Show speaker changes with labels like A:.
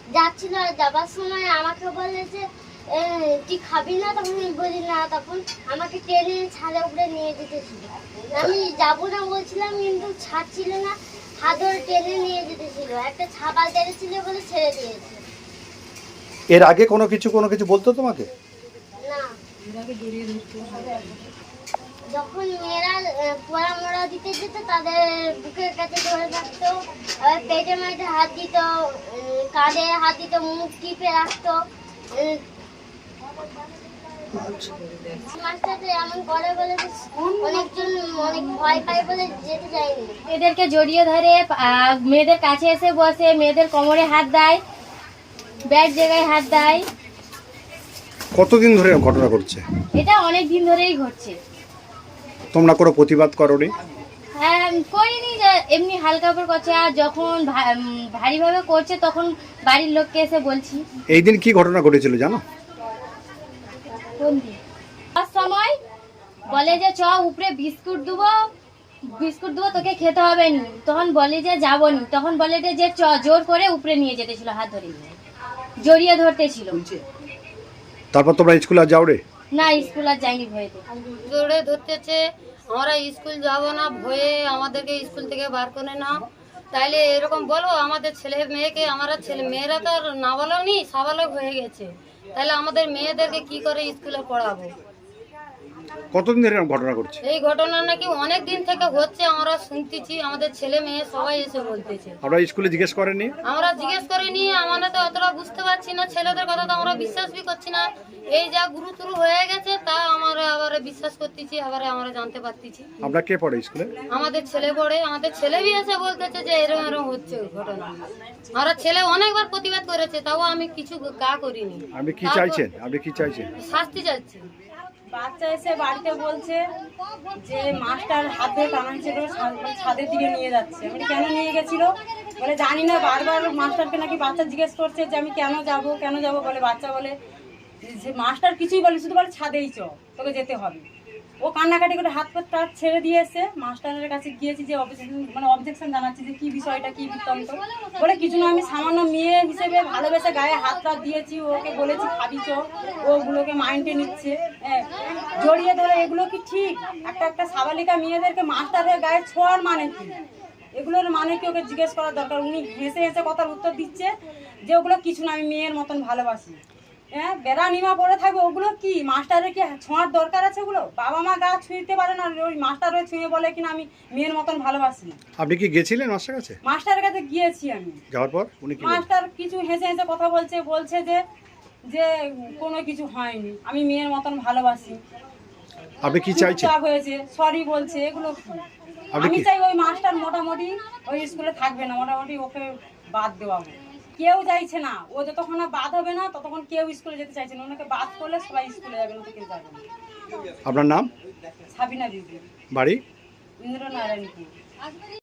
A: যাচ্ছিল, আর যাবার সময় আমাকে বলে যে তুই খাবি না, তখন আমি বলি না, তখন আমাকে টেনে ছাদের উপরে নিয়ে যেতেছিল। আমি যাবো না বলছিলাম, কিন্তু ছাড়ছিল না, হাত ধরে টেনে নিয়ে যেতেছিল। একটা ছাপাল তেড়েছিল বলে ছেড়ে দিয়েছে।
B: এর আগে কোনো কিছু বলতো তোমাকে?
A: না, যখন মেয়েরা পোড়া মোড়া দিতে যেত তাদের বুকের কাছে ধরে রাখতো, আবার পেটে মাঝে হাত দিত, কাঁধে হাত দিত, মুখ টিপে রাখতো। মাস্টারটা এমন করে বলে অনেকজন অনেক ভয় পায় বলে যেতে যায়নি।
C: মেয়েদেরকে জড়িয়ে ধরে মেয়েদের কাছে এসে বসে, মেয়েদের কোমরে হাত দেয়, ব্যাট জায়গায় হাত দেয়।
B: কতদিন ধরে ঘটনা ঘটছে?
C: এটা অনেক দিন ধরেই ঘটছে।
B: তোমরা কোনো প্রতিবাদ করোনি?
C: হ্যাঁ, করিনি, যে এমনি হালকা করে করছে, আর যখন ভারীভাবে করছে তখন বাড়ির লোককে এসে বলছি।
B: এই দিন কি ঘটনা ঘটেছিল জানো?
C: কোন দিন? তার সময় বলে যে চ উপরে বিস্কুট দেবো তোকে খেতে হবে নি। তখন বলে যে যাবো নি, তখন বলে যে চ, জোর করে উপরে নিয়ে যেতেছিল, হাত ধরে জড়িয়ে ধরতেছিল।
B: তারপর তোমরা স্কুলে আর যাও রে?
C: না, স্কুল আর যাইনি ভয়েতে।
D: জোরে ধরতেছে, আমরা স্কুল যাব না, ভয়ে আমাদেরকে স্কুল থেকে বার করে না। তাইলে এরকম বলো আমাদের ছেলে মেয়েকে, মেয়েরা তো আর নাবালক নি, সাবালক হয়ে গেছে, তাহলে আমাদের মেয়েদেরকে কি করে স্কুলে পড়াবো?
B: কতদিন ধরে এরকম ঘটনা ঘটছে?
D: এই ঘটনা নাকি অনেক দিন থেকে হচ্ছে, আমরা শুনতেছি, আমাদের ছেলে মেয়ে সবাই এসে বলতেছে।
B: আপনারা স্কুলে জিজ্ঞেস করেননি?
D: আমরা জিজ্ঞেস করিনি, আমরা তো অতটা বুঝতে পারছি না, ছেলেদের কথা তো আমরা বিশ্বাস বি করছি না। এই যা গুরুতুরু হয়ে গেছে তা আমরা আবার বিশ্বাস করতেছি, আবার আমরা জানতে পারতেছি।
B: আপনারা কে পড়ে স্কুলে?
D: আমাদের ছেলে পড়ে, আমাদের ছেলে বি এসে বলতেছে যে এরকম এরকম হচ্ছে ঘটনা। আমরা ছেলে অনেকবার প্রতিবাদ করেছে, তাও আমি কিছু গা করিনি।
B: আপনি কি চাইছেন?
D: শাস্তি চাচ্ছি।
E: বাচ্চা এসে বাড়িতে বলছে যে মাস্টার হাত ধরে টানাচ্ছিল, ছাদের দিকে নিয়ে যাচ্ছে। আমি কেন নিয়ে গেছিল বলে জানি না, বারবার মাস্টারকে নাকি বাচ্চা জিজ্ঞেস করছে যে আমি কেন যাব বলে, বাচ্চা বলে যে মাস্টার কিছুই বলে, শুধু বলে ছাদেই চ, তোকে যেতে হবে। ও কান্নাকাটি করে হাত পা ছেড়ে দিয়েছে। মাস্টারের কাছে গিয়েছি, যে অবজেকশন জানাচ্ছি যে কি বিষয়টা, কি বৃত্তান্ত। বলে কিছু না, আমি সামান্য মেয়ে হিসেবে ভালোবেসে গায়ে হাত দিয়েছি, ওকে বলেছি খাবি চ, ওগুলোকে মাইন্ডে নিচ্ছে। হ্যাঁ, জড়িয়ে ধরে, এগুলো কি ঠিক? একটা সাবালিকা মেয়েদেরকে মাস্টারের গায়ে ছোঁয়ার মানে কি? এগুলোর মানে কি? ওকে জিজ্ঞেস করার দরকার। উনি হেসে হেসে কথার উত্তর দিচ্ছে যে ওগুলো কিছু না, আমি মেয়ের মতন ভালোবাসি। হ্যাঁ, বেড়া নিমা পড়ে থাকবে, ওগুলো কি মাস্টারের কি ছোঁয়ার দরকার আছে? ওগুলো বাবা মা গা ছুঁইতে পারে না, ওই মাস্টার হয়ে ছুঁয়ে বলে কিনা আমি মেয়ের মতন ভালোবাসি।
B: আপনি কি গেছিলেন মাস্টার কাছে?
E: মাস্টারের কাছে গিয়েছি আমি।
B: যাওয়ার পর উনি কি?
E: মাস্টার কিছু হেসে হেসে কথা বলছে যে কোনো কিছু হয়নি, আমি মেয়ের মতন ভালোবাসি।
B: আপনি কি চাইছেন?
E: হয়েছে, সরি বলছে, এগুলো কি? আমি চাই ওই মাস্টার মোটামুটি ওই স্কুলে থাকবে না, মোটামুটি ওকে বাদ দেওয়া হোক। কেউ চাইছে না, ও যতক্ষণ না বাদ হবে না ততক্ষণ কেউ স্কুলে যেতে চাইছে না। ওনাকে বাদ করলে সবাই স্কুলে যাবে, না তো কেউ যাবে না।
B: আপনার নাম?
E: সাবিনা বিবি,
B: বাড়ি?
E: ইন্দ্রনারায়ণপুর।